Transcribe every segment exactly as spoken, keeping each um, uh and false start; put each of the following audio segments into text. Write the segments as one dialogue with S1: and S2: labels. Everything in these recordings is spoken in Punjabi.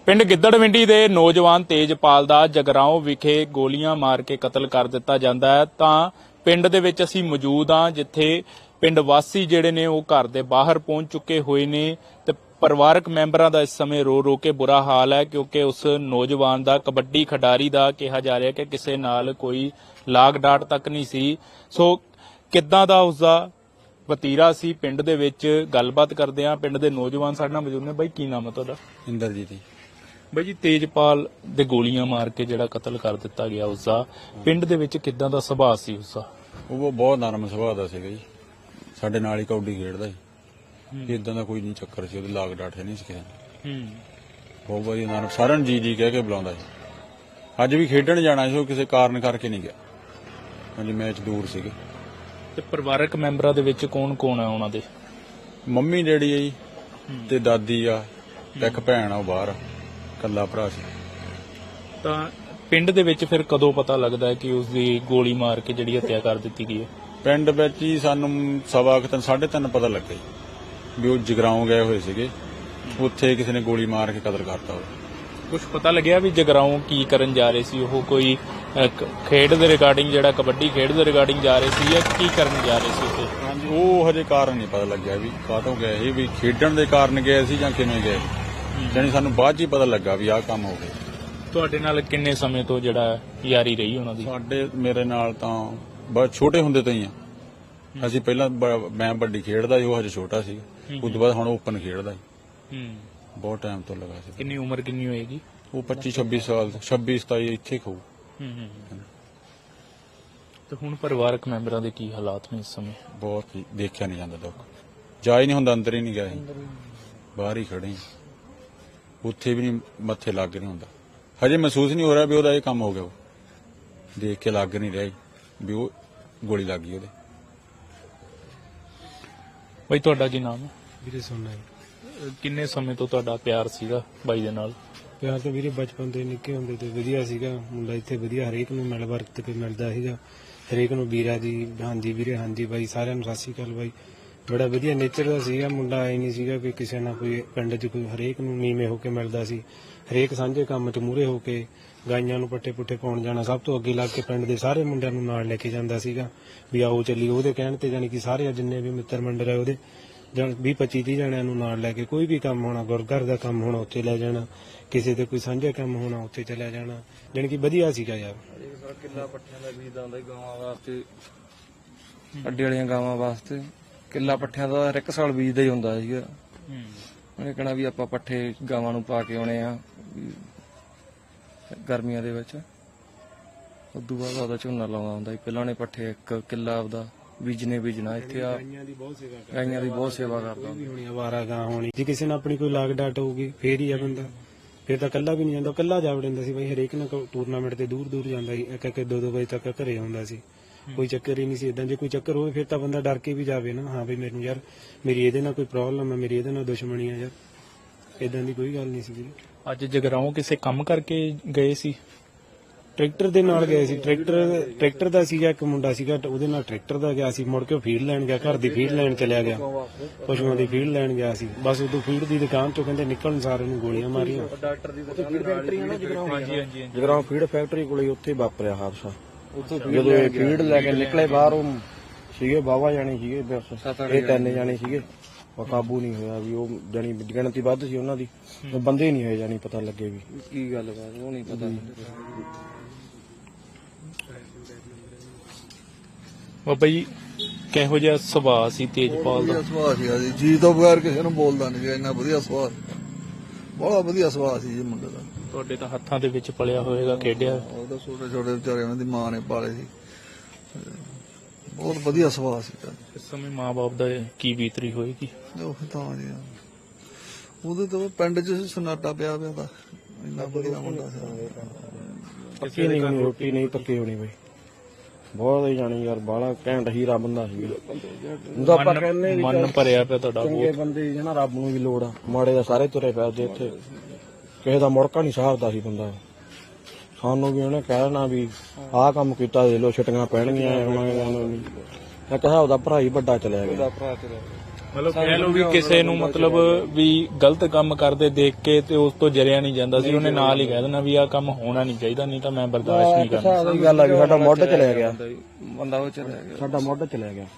S1: ਪਿੰਡ ਗਿੱਦੜਵਿੰਡੀ ਦੇ ਨੌਜਵਾਨ ਤੇਜਪਾਲ ਦਾ ਜਗਰਾਓਂ ਵਿਖੇ ਗੋਲੀਆਂ ਮਾਰ ਕੇ ਕਤਲ ਕਰ ਦਿੱਤਾ ਜਾਂਦਾ ਹੈ ਤਾਂ ਪਿੰਡ ਦੇ ਵਿੱਚ ਅਸੀਂ ਮੌਜੂਦ ਹਾਂ ਜਿੱਥੇ ਪਿੰਡ ਵਾਸੀ ਜਿਹੜੇ ਨੇ ਉਹ ਘਰ ਦੇ ਬਾਹਰ ਪਹੁੰਚ ਚੁੱਕੇ ਹੋਏ ਨੇ ਤੇ ਪਰਿਵਾਰਕ ਮੈਂਬਰਾਂ ਦਾ ਇਸ ਸਮੇਂ ਰੋ ਰੋ ਕੇ ਬੁਰਾ ਹਾਲ ਹੈ ਕਿਉਂਕਿ ਉਸ ਨੌਜਵਾਨ ਦਾ ਕਬੱਡੀ ਖਿਡਾਰੀ ਦਾ ਕਿਹਾ ਜਾ ਰਿਹਾ ਕਿ ਕਿਸੇ ਨਾਲ ਕੋਈ ਲਾਗ ਡਾਟ ਤੱਕ ਨਹੀਂ ਸੀ। ਸੋ ਕਿੱਦਾਂ ਦਾ ਉਸਦਾ ਵਤੀਰਾ ਸੀ ਪਿੰਡ ਦੇ ਵਿੱਚ ਗੱਲਬਾਤ ਕਰਦੇ ਹਾਂ। ਪਿੰਡ ਦੇ ਨੌਜਵਾਨ ਸਾਡੇ ਨਾਲ ਮੌਜੂਦ ਨੇ। ਬਾਈ ਕੀ ਨਾਮ ਹੈ ਤੁਹਾਡਾ?
S2: ਇੰਦਰਜੀਤ ਜੀ।
S1: ਬਾਈ ਜੀ ਤੇਜਪਾਲ ਦੇ ਗੋਲੀਆਂ ਮਾਰ ਕੇ ਜਿਹੜਾ ਕਤਲ ਕਰ ਦਿੱਤਾ ਗਿਆ ਉਸਦਾ ਪਿੰਡ ਦੇ ਵਿੱਚ ਕਿੱਦਾਂ ਦਾ ਸੁਭਾਅ ਸੀ ਉਸਦਾ?
S2: ਉਹ ਬਹੁਤ ਨਰਮ ਸੁਭਾਅ ਦਾ ਸੀਗਾ ਜੀ। ਸਾਡੇ ਨਾਲ ਹੀ ਕਬੱਡੀ ਖੇਡਦਾ ਸੀ। ਇਦਾਂ ਦਾ ਕੋਈ ਨਹੀਂ ਚੱਕਰ ਸੀ। ਉਹਦੇ ਲਾਗ ਡਾਟ ਨਹੀਂ ਸੀ ਕਿਸੇ ਨੂੰ। ਬਹੁਤ ਵਧੀਆ ਨਰਮ, ਸਾਰਿਆਂ ਨੂੰ ਜੀ ਜੀ ਕਹਿ ਕੇ ਬੁਲਾਉਂਦਾ ਸੀ। ਅੱਜ ਵੀ ਖੇਡਣ ਜਾਣਾ ਸੀ, ਉਹ ਕਿਸੇ ਕਾਰਨ ਕਰਕੇ ਨਹੀਂ ਗਿਆ। ਹਾਂਜੀ, ਮੈਚ ਦੂਰ ਸੀਗੇ।
S1: ਤੇ ਪਰਿਵਾਰਕ ਮੈਂਬਰਾਂ ਦੇ ਵਿੱਚ ਕੌਣ ਕੌਣ ਹੈ ਉਹਨਾਂ ਦੇ?
S2: ਮੰਮੀ ਡੈਡੀ ਆ ਜੀ ਤੇ ਦਾਦੀ ਆ, ਇੱਕ ਭੈਣ ਆ ਉਹ ਬਾਹਰ, ਕੱਲਾ ਭਰਾ ਸੀ।
S1: ਤਾਂ ਪਿੰਡ ਦੇ ਵਿੱਚ ਫਿਰ ਕਦੋਂ ਪਤਾ ਲੱਗਦਾ ਹੈ ਕਿ ਉਸ ਦੀ ਗੋਲੀ ਮਾਰ ਕੇ ਜਿਹੜੀ ਹੱਤਿਆ ਕਰ ਦਿੱਤੀ ਗਈ ਹੈ?
S2: ਪਿੰਡ ਵਿੱਚ ਹੀ ਸਾਨੂੰ ਸਵਾ ਕੁ ਤਿੰਨ ਸਾਢੇ ਤਿੰਨ ਪਤਾ ਲੱਗਾ ਵੀ ਉਹ ਜਗਰਾਓਂ ਗਏ ਹੋਏ ਸੀਗੇ, ਉੱਥੇ ਕਿਸੇ ਨੇ ਗੋਲੀ ਮਾਰ ਕੇ ਕਤਲ ਕਰਤਾ। ਉਹ
S1: ਕੁਝ ਪਤਾ ਲੱਗਿਆ ਵੀ ਜਗਰਾਓਂ ਕੀ ਕਰਨ ਜਾ ਰਹੇ ਸੀ? ਉਹ ਕੋਈ ਖੇਡ ਦੇ ਰਿਗਾਰਡਿੰਗ ਜਿਹੜਾ ਕਬੱਡੀ ਖੇਡ ਦੇ ਰਿਗਾਰਡਿੰਗ ਜਾ ਰਹੇ ਸੀ ਜਾਂ ਕੀ ਕਰਨ ਜਾ ਰਹੇ ਸੀ ਉੱਥੇ?
S2: ਹਾਂਜੀ, ਉਹ ਹਜੇ ਕਾਰਨ ਨਹੀਂ ਪਤਾ ਲੱਗਿਆ ਵੀ ਕਾਹਤੋਂ ਗਏ ਸੀ, ਵੀ ਖੇਡਣ ਦੇ ਕਾਰਨ ਗਏ ਸੀ ਜਾਂ ਕਿਵੇਂ ਗਏ। ਜਾਣੀ ਸਾਨੂੰ ਬਾਅਦ 'ਚ ਹੀ ਪਤਾ ਲੱਗਾ ਵੀ ਆਹ ਕੰਮ ਹੋ ਗਿਆ।
S1: ਤੁਹਾਡੇ ਨਾਲ ਕਿੰਨੇ ਸਮੇਂ ਤੋਂ ਜਿਹੜਾ ਯਾਰੀ ਰਹੀ ਉਹਨਾਂ ਦੀ?
S2: ਸਾਡੇ ਮੇਰੇ ਨਾਲ ਤਾਂ ਬਹੁਤ ਛੋਟੇ ਹੁੰਦੇ ਤੋਂ ਹੀ ਆ ਅਸੀਂ। ਪਹਿਲਾਂ ਮੈਂ ਵੱਡੀ ਖੇਡਦਾ ਸੀ, ਉਹ ਹਜੇ ਛੋਟਾ ਸੀ। ਉਸ ਤੋਂ ਬਾਅਦ ਹੁਣ ਓਪਨ ਖੇਡਦਾ ਸੀ। ਬਹੁਤ ਟਾਈਮ ਤੋਂ ਲੱਗਾ ਸੀ।
S1: ਕਿੰਨੀ ਉਮਰ ਕਿੰਨੀ ਹੋਏਗੀ?
S2: ਉਹ ਪੱਚੀ ਛੱਬੀ ਸਾਲ, ਛੱਬੀ ਸਤਾਈ ਇੱਥੇ ਖਾਊ।
S1: ਤੇ ਹੁਣ ਪਰਿਵਾਰਕ ਮੈਂਬਰਾਂ ਦੇ ਕੀ ਹਾਲਾਤ ਨੇ ਇਸ ਸਮੇਂ?
S2: ਬਹੁਤ ਦੇਖਿਆ ਨਹੀਂ ਜਾਂਦਾ ਦੁੱਖ। ਜਾ ਹੀ ਨਹੀਂ ਹੁੰਦਾ, ਅੰਦਰ ਹੀ ਨਹੀਂ ਗਿਆ ਸੀ, ਬਾਹਰ ਹੀ ਖੜੇ। ਉੱਥੇ ਵੀ ਨਹੀਂ ਮੱਥੇ ਲੱਗ ਨਹੀਂ ਹੁੰਦਾ। ਹਜੇ ਮਹਿਸੂਸ ਨਹੀਂ ਹੋ ਰਿਹਾ ਵੀ ਉਹਦਾ ਇਹ ਕੰਮ ਹੋ ਗਿਆ। ਉਹ ਦੇਖ ਕੇ ਲੱਗ ਨਹੀਂ ਰਿਹਾ ਵੀ ਉਹ ਗੋਲੀ ਲੱਗ ਗਈ ਉਹਦੇ।
S1: ਬਾਈ ਤੁਹਾਡਾ ਕੀ ਨਾਮ ਹੈ?
S3: ਵੀਰੇ ਸੋਨਾ।
S1: ਕਿੰਨੇ ਸਮੇਂ ਤੋਂ ਤੁਹਾਡਾ ਪਿਆਰ ਸੀਗਾ ਬਾਈ ਦੇ ਨਾਲ?
S3: ਪਿਆਰ ਤਾਂ ਵੀਰੇ ਬਚਪਨ ਤੋਂ ਨਿੱਕੇ ਹੁੰਦੇ ਤੇ ਵਧੀਆ ਸੀਗਾ। ਮੁੰਡਾ ਇੱਥੇ ਵਧੀਆ ਹਰੇਕ ਨੂੰ ਮਿਲ ਵਰਤ ਕੇ ਮਿਲਦਾ ਸੀਗਾ। ਹਰੇਕ ਨੂੰ ਵੀਰਾ ਜੀ, ਹਾਂਜੀ ਵੀਰੇ, ਹਾਂਜੀ ਬਾਈ, ਸਾਰਿਆਂ ਨੂੰ ਸਤਿ ਸ਼੍ਰੀ ਅਕਾਲ ਬਾਈ। ਬੜਾ ਵਧੀਆ ਨੇਚਰ ਦਾ ਸੀਗਾ ਮੁੰਡਾ। ਐ ਨਹੀਂ ਸੀਗਾ ਕਿ ਕਿਸੇ ਨਾਲ ਕੋਈ ਪਿੰਡ 'ਚ ਕੋਈ, ਹਰੇਕ ਨੂੰ ਨੀਵੇਂ ਹੋ ਕੇ ਮਿਲਦਾ ਸੀ। ਹਰੇਕ ਸਾਂਝੇ ਕੰਮ 'ਚ ਮੂਹਰੇ ਹੋ ਕੇ ਗਾਈਆਂ ਨੂੰ ਪੱਠੇ ਪੁੱਠੇ ਪਾਉਣ ਜਾਣਾ, ਸਭ ਤੋਂ ਅੱਗੇ ਲੱਗ ਕੇ ਪਿੰਡ ਦੇ ਸਾਰੇ ਮੁੰਡਿਆਂ ਨੂੰ ਨਾਲ ਲੈ ਕੇ ਜਾਂਦਾ ਸੀਗਾ ਵੀ ਆਓ ਚੱਲੀ। ਉਹਦੇ ਕਹਿਣ ਤੇ ਜਾਣੀ ਕਿ ਸਾਰੇ ਜਿੰਨੇ ਵੀ ਮਿੱਤਰ ਮੰਡਲ ਹੈ ਉਹਦੇ ਵੀਹ ਪੱਚੀ ਤੀਹ ਜਣਿਆਂ ਨੂੰ ਨਾਲ ਲੈ ਕੇ ਕੋਈ ਵੀ ਕੰਮ ਹੋਣਾ, ਗੁਰਘਰ ਦਾ ਕੰਮ ਹੋਣਾ ਉੱਥੇ ਲੈ ਜਾਣਾ, ਕਿਸੇ ਦੇ ਕੋਈ ਸਾਂਝਾ ਕੰਮ ਹੋਣਾ ਉੱਥੇ ਚਲਿਆ ਜਾਣਾ। ਜਾਣੀ ਕਿ ਵਧੀਆ ਸੀਗਾ ਯਾਰ।
S4: ਕਿੱਲਾ ਪੱਠਿਆਂ ਦਾ ਬੀਜ ਆਉਂਦਾ ਗਾਵਾਂ ਵਾਸਤੇ, ਅੱਡੇ ਵਾਲੀਆਂ ਗਾਵਾਂ ਵਾਸਤੇ ਕਿੱਲਾ ਪੱਠਿਆਂ ਦਾ ਹਰ ਇੱਕ ਸਾਲ ਬੀਜਦਾ ਹੀ ਹੁੰਦਾ ਸੀਗਾ। ਉਹਨੇ ਕਹਿਣਾ ਵੀ ਆਪਾਂ ਪੱਠੇ ਗਾਵਾਂ ਨੂੰ ਪਾ ਕੇ ਆਉਣੇ ਆ ਗਰਮੀਆਂ ਦੇ ਵਿੱਚ। ਉਦੋਂ ਬਾਅਦ ਉਹਦਾ ਝੋਨਾ ਲਾਉਂਦਾ ਹੁੰਦਾ ਸੀ। ਪਹਿਲਾਂ ਉਹਨੇ ਪੱਠੇ ਇੱਕ ਕਿੱਲਾ ਆਪਦਾ ਬੀਜਨੇ ਬੀਜਣਾ। ਇੱਥੇ ਆ ਗਾਈਆਂ ਦੀ ਬਹੁਤ ਸੇਵਾ ਕਰਦਾ
S3: ਹੋਣੀ, ਅਵਾਰਾ ਗਾਂ ਹੋਣੀ। ਜੇ ਕਿਸੇ ਨਾਲ ਆਪਣੀ ਕੋਈ ਲਾਗ ਡਾਟ ਹੋਊਗੀ ਫੇਰ ਹੀ ਆ ਬੰਦਾ। ਫੇਰ ਤਾਂ ਕੱਲਾ ਵੀ ਨਹੀਂ ਜਾਂਦਾ, ਕੱਲਾ ਜਾ ਵੜਦਾ ਸੀ ਬਾਈ। ਹਰੇਕ ਨਾਲ ਟੂਰਨਾਮੈਂਟ ਤੇ ਦੂਰ ਦੂਰ ਜਾਂਦਾ ਸੀ। ਇੱਕ ਇੱਕ ਦੋ ਦੋ ਵਜੇ ਤੱਕ ਘਰੇ ਆਉਂਦਾ ਸੀ। ਕੋਈ ਚੱਕਰ ਹੀ ਨਹੀਂ ਸੀ। ਏਦਾਂ ਜੇ ਕੋਈ ਚੱਕਰ ਹੋਵੇ ਫਿਰ ਤਾਂ ਬੰਦਾ ਡਰ ਕੇ ਵੀ ਜਾਵੇ ਨਾ, ਹਾਂ ਬਈ ਮੈਨੂੰ ਯਾਰ ਮੇਰੀ ਇਹਦੇ ਨਾਲ ਕੋਈ ਪ੍ਰੋਬਲਮ ਹੈ, ਮੇਰੀ ਇਹਦੇ ਨਾਲ ਦੁਸ਼ਮਣੀ ਹੈ ਯਾਰ। ਏਦਾਂ ਦੀ ਕੋਈ ਗੱਲ ਨਹੀਂ ਸੀ।
S1: ਅੱਜ ਜਗਰਾਓਂ ਕਿਸੇ ਕੰਮ ਕਰਕੇ ਗਏ ਸੀ?
S3: ਟਰੈਕਟਰ ਦੇ ਨਾਲ ਗਏ ਸੀ। ਟਰੈਕਟਰ ਟਰੈਕਟਰ ਦਾ ਸੀਗਾ, ਇੱਕ ਮੁੰਡਾ ਸੀਗਾ ਉਹਦੇ ਨਾਲ ਟਰੈਕਟਰ ਦਾ ਗਿਆ ਸੀ। ਮੁੜ ਕੇ ਫੀਡ ਲੈਣ ਗਿਆ, ਘਰ ਦੀ ਫੀਡ ਲੈਣ ਚਲਿਆ ਗਿਆ, ਪਸ਼ੂਆਂ ਦੀ ਫੀਡ ਲੈਣ ਗਿਆ ਸੀ। ਬਸ ਉਦੋਂ ਫੀਡ ਦੀ ਦੁਕਾਨ ਤੋਂ ਕਹਿੰਦੇ ਨਿਕਲਣ ਸਾਰੇ ਨੂੰ ਗੋਲੀਆਂ ਮਾਰੀਆਂ।
S4: ਡਾਕਟਰ ਦੀ ਫੈਕਟਰੀ ਹੈ ਨਾ ਜਗਰਾਓਂ।
S1: ਹਾਂਜੀ ਹਾਂਜੀ।
S4: ਜਗਰਾਓਂ ਫੀਡ ਫੈਕਟਰੀ ਕੋਲੇ ਉੱਥੇ ਵਾਪਰਿਆ ਹਾਦਸਾ। ਜਦੋਂ ਇਹ ਫੀਡ ਲੈ ਕੇ ਨਿਕਲੇ ਬਾਹਰ, ਉਹ ਸੀਗੇ ਬਾਵਾ ਜਾਣੇ ਸੀਗੇ, ਇਹ ਤਿੰਨ ਜਾਣੇ ਸੀਗੇ। ਕਾਬੂ ਨਹੀਂ ਹੋਇਆ ਵੀ ਉਹ ਜਾਣੀ ਗਿਣਤੀ ਵੱਧ ਸੀ ਉਹਨਾਂ ਦੀ, ਬੰਦੇ ਨਹੀਂ ਹੋਏ ਜਾਣੀ ਪਤਾ ਲੱਗੇ ਵੀ ਕੀ ਗੱਲ ਬਾਤ, ਉਹ ਨਹੀਂ ਪਤਾ।
S1: ਬਾਬਾ ਜੀ ਕਿਹੋ ਜਿਹਾ ਸੁਭਾਅ ਸੀ ਤੇਜਪਾਲ ਦਾ?
S5: ਸੁਭਾਅ ਸੀਗਾ ਜੀ, ਜੀ ਤੋਂ ਬਗੈਰ ਕਿਸੇ ਨੂੰ ਬੋਲਦਾ ਨਹੀਂ, ਇੰਨਾ ਵਧੀਆ ਸੁਭਾਅ, ਬਹੁਤ ਵਧੀਆ ਸੁਭਾਅ ਸੀ ਜੀ ਮੁੰਡੇ ਦਾ।
S1: ਤੁਹਾਡੇ ਤਾਂ ਹੱਥਾਂ ਦੇ ਵਿੱਚ ਪਲਿਆ ਹੋਏਗਾ, ਖੇਡਿਆ।
S5: ਉਹ ਤਾਂ ਛੋਟੇ ਛੋਟੇ ਵਿਚਾਰੇ ਉਹਨਾਂ ਦੀ ਮਾਂ ਨੇ ਪਾਲੇ ਸੀ। ਬਹੁਤ ਵਧੀਆ ਸੁਭਾਅ ਸੀ।
S1: ਇਸ ਸਮੇਂ ਮਾਂ ਬਾਪ ਦਾ ਕੀ ਬੀਤਰੀ ਹੋਏਗੀ?
S5: ਉਹ ਤਾਂ ਜੀ ਉਹਦੇ ਤੋਂ ਪਿੰਡ 'ਚ ਸਨਾਟਾ ਪਿਆ ਪਿਆ ਤਾਂ ਇੰਨਾ ਵਧੀਆ ਮੁੰਡਾ ਸੀ।
S4: ਪੱਕੀ ਨਹੀਂ ਹੋਣੀ ਰੋਟੀ, ਨਹੀਂ ਪੱਕੀ ਹੋਣੀ ਬਈ। ਬਹੁਤ ਹੀ ਜਾਣੀ ਯਾਰ, ਬਾਹਲਾ ਘੈਂਟ ਹੀਰਾ ਬੰਦਾ ਸੀ। ਆਪਾਂ ਕਹਿੰਦੇ
S1: ਮਨ ਭਰਿਆ ਪਿਆ ਤੁਹਾਡਾ।
S4: ਚੰਗੇ ਬੰਦੇ ਜਿਹਨਾਂ ਰੱਬ ਨੂੰ ਵੀ ਲੋੜ ਆ, ਮਾੜੇ ਦਾ ਸਾਰੇ ਤੁਰੇ ਫਿਰਦੇ ਇੱਥੇ। ਕਿਸੇ ਦਾ ਮੁੜਕਾ ਨਹੀਂ ਸਾਹਰਦਾ ਸੀ ਬੰਦਾ। ਸਾਨੂੰ ਵੀ ਉਹਨੇ ਕਹਿਣਾ ਵੀ ਆਹ ਕੰਮ ਕੀਤਾ, ਦੇ ਲੋ ਛਟੀਆਂ ਪੈਣਗੀਆਂ। ਇੱਕ ਹਿਸਾਬ ਦਾ ਭਰਾ ਹੀ ਵੱਡਾ ਚਲਿਆ ਗਿਆ।
S1: ਮਤਲਬ ਕਹਿ ਲਓ ਵੀ ਕਿਸੇ ਨੂੰ ਮਤਲਬ ਵੀ ਗਲਤ ਕੰਮ ਕਰਦੇ ਦੇਖ ਕੇ ਤੇ ਉਸ ਤੋਂ ਜਰਿਆ ਨਹੀਂ ਜਾਂਦਾ ਸੀ, ਉਹਨੇ ਨਾਲ ਹੀ ਕਹਿ ਦੇਣਾ ਵੀ ਆਹ ਕੰਮ ਹੋਣਾ ਨਹੀਂ ਚਾਹੀਦਾ, ਨਹੀਂ ਤਾਂ ਮੈਂ ਬਰਦਾਸ਼ਤ ਨਹੀਂ ਕਰਨਾ।
S4: ਸਾਡੀ ਗੱਲ ਆ ਵੀ ਸਾਡਾ ਮੁੱਢ ਚਲਿਆ ਗਿਆ,
S6: ਬੰਦਾ ਉਹ ਚਲਿਆ ਗਿਆ,
S4: ਸਾਡਾ ਮੁੱਢ ਚਲਿਆ ਗਿਆ।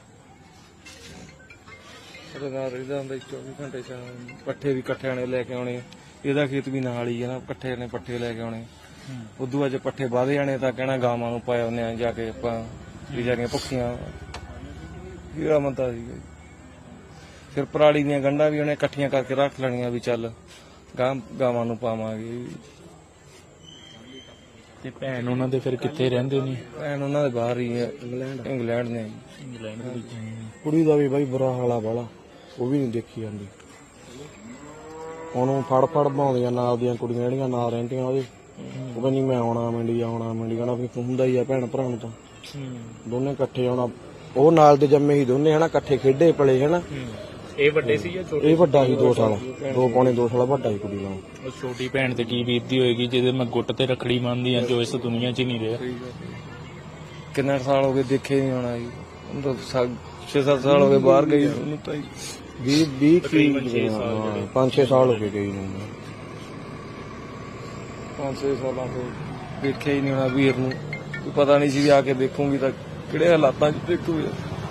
S6: ਉਹਦੇ ਨਾਲ ਰਹਿੰਦਾ ਹੁੰਦਾ ਚੌਵੀ ਘੰਟੇ ਚ, ਪੱਠੇ ਵੀ ਇਕੱਠਿਆਂ ਨੇ ਲੈ ਕੇ ਆਉਣੇ, ਇਹਦਾ ਖੇਤ ਵੀ ਨਾਲ ਹੀ ਹੈ ਨਾ, ਇਕੱਠੇ ਨੇ ਪੱਠੇ ਲੈ ਕੇ ਆਉਣੇ। ਉਦੋਂ ਅੱਜ ਪੱਠੇ ਵਧ ਜਾਣੇ ਤਾਂ ਕਹਿਣਾ ਗਾਵਾਂ ਨੂੰ ਪਾਇਆ ਉਹਨੇ ਜਾ ਕੇ ਆਪਾਂ ਵਿਚਾਰੀਆਂ ਭੁੱਖੀਆਂ, ਇਹਦਾ ਮੰਦਾ ਸੀਗਾ। ਫਿਰ ਪਰਾਲੀ ਦੀਆਂ ਗੰਢਾਂ ਵੀ ਉਹਨੇ ਇਕੱਠੀਆਂ ਕਰਕੇ ਰੱਖ ਲੈਣੀਆਂ ਵੀ ਚੱਲ ਗਾਂ ਗਾਵਾਂ ਨੂੰ ਪਾਵਾਂਗੇ।
S1: ਤੇ ਭੈਣ ਉਹਨਾਂ ਦੇ ਫਿਰ ਕਿੱਥੇ ਰਹਿੰਦੇ ਨੇ?
S6: ਭੈਣ ਉਹਨਾਂ ਦੇ ਬਾਹਰ ਹੀ ਹੈ, ਇੰਗਲੈਂਡ ਇੰਗਲੈਂਡ ਨੇ।
S1: ਇੰਗਲੈਂਡ ਦੇ ਵਿੱਚ।
S4: ਕੁੜੀ ਦਾ ਵੀ ਬਾਈ ਬੁਰਾ ਹਾਲਾ ਬਾਲਾ, ਉਹ ਵੀ ਨਹੀਂ ਦੇਖੀ ਜਾਂਦੀ। ਉਹਨੂੰ ਫੜ ਫੜ ਬਣਾਉਂਦੀਆਂ ਨਾਲ ਦੀਆਂ ਕੁੜੀਆਂ ਜਿਹੜੀਆਂ ਨਾਲ ਰਹਿੰਦੀਆਂ ਉਹਦੇ, ਉਹ ਕਹਿੰਦੀ ਮੈਂ ਆਉਣਾ ਮੰਡੀ ਆਉਣਾ ਮੰਡੀ ਕਹਿਣਾ ਵੀ ਹੁੰਦਾ ਹੀ ਆ ਭੈਣ ਭਰਾ ਨੂੰ ਤਾਂ ਦੋਨੇ ਇਕੱਠੇ ਆਉਣਾ। ਉਹ ਨਾਲ ਦੇ ਜੰਮੇ ਹੀ ਦੋਨੇ ਹਨਾ, ਇਕੱਠੇ ਖੇਡੇ ਪਲੇ ਹਨਾ।
S1: ਇਹ ਵੱਡੇ ਸੀ ਜਾਂ ਛੋਟੇ?
S4: ਇਹ ਵੱਡਾ ਸੀ, ਦੋ ਸਾਲ ਦੋ ਪੌਣੇ ਦੋ ਸਾਲ ਵੱਡਾ ਸੀ ਕੁੜੀ ਨਾਲ।
S1: ਉਹ ਛੋਟੀ ਭੈਣ ਤੇ ਕੀ ਬੀਤਦੀ ਹੋਏਗੀ ਜਿਹਦੇ ਮੈਂ ਗੁੱਟ ਤੇ ਰੱਖੜੀ ਬੰਨ੍ਹਦੀ ਆ, ਜੋ ਇਸ ਦੁਨੀਆ 'ਚ ਹੀ ਨਹੀਂ ਰਿਹਾ।
S6: ਕਿੰਨੇ ਸਾਲ ਹੋ ਗਏ ਦੇਖੇ ਨਹੀਂ ਹੋਣਾ ਜੀ, ਉਹਨੂੰ ਤਾਂ ਛੇ ਸੱਤ ਸਾਲ ਹੋ ਗਏ ਬਾਹਰ ਗਈ ਉਹਨੂੰ ਤਾਂ
S4: ਵੀਹ ਵੀਹ ਪੰਜ ਛੇ ਸਾਲ ਹੋ ਗਏ ਗਈ ਨੂੰ।
S6: ਪੰਜ ਛੇ ਸਾਲਾਂ ਤੋਂ ਦੇਖਿਆ ਹੀ ਨਹੀਂ ਹੋਣਾ ਵੀਰ ਨੂੰ, ਕੋਈ ਪਤਾ ਨਹੀਂ ਸੀ ਵੀ ਆ ਕੇ ਦੇਖੂਗੀ ਤਾਂ ਕਿਹੜੇ ਹਾਲਾਤਾਂ 'ਚ ਦੇਖੂਗੀ।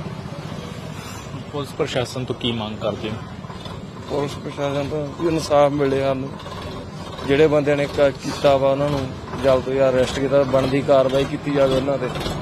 S1: ਪੁਲਿਸ ਪ੍ਰਸ਼ਾਸਨ ਤੋਂ ਕੀ ਮੰਗ ਕਰਦੇ ਹੋ?
S6: ਪੁਲਿਸ ਪ੍ਰਸ਼ਾਸਨ ਤੋਂ ਵੀ ਇਨਸਾਫ ਮਿਲੇ ਸਾਨੂੰ, ਜਿਹੜੇ ਬੰਦਿਆਂ ਨੇ ਕ- ਕੀਤਾ ਵਾ ਉਹਨਾਂ ਨੂੰ ਜਲਦ ਤੋਂ ਜਲਦ ਅਰੈਸਟ ਕੀਤਾ, ਬਣਦੀ ਕਾਰਵਾਈ ਕੀਤੀ ਜਾਵੇ ਉਹਨਾਂ ਤੇ।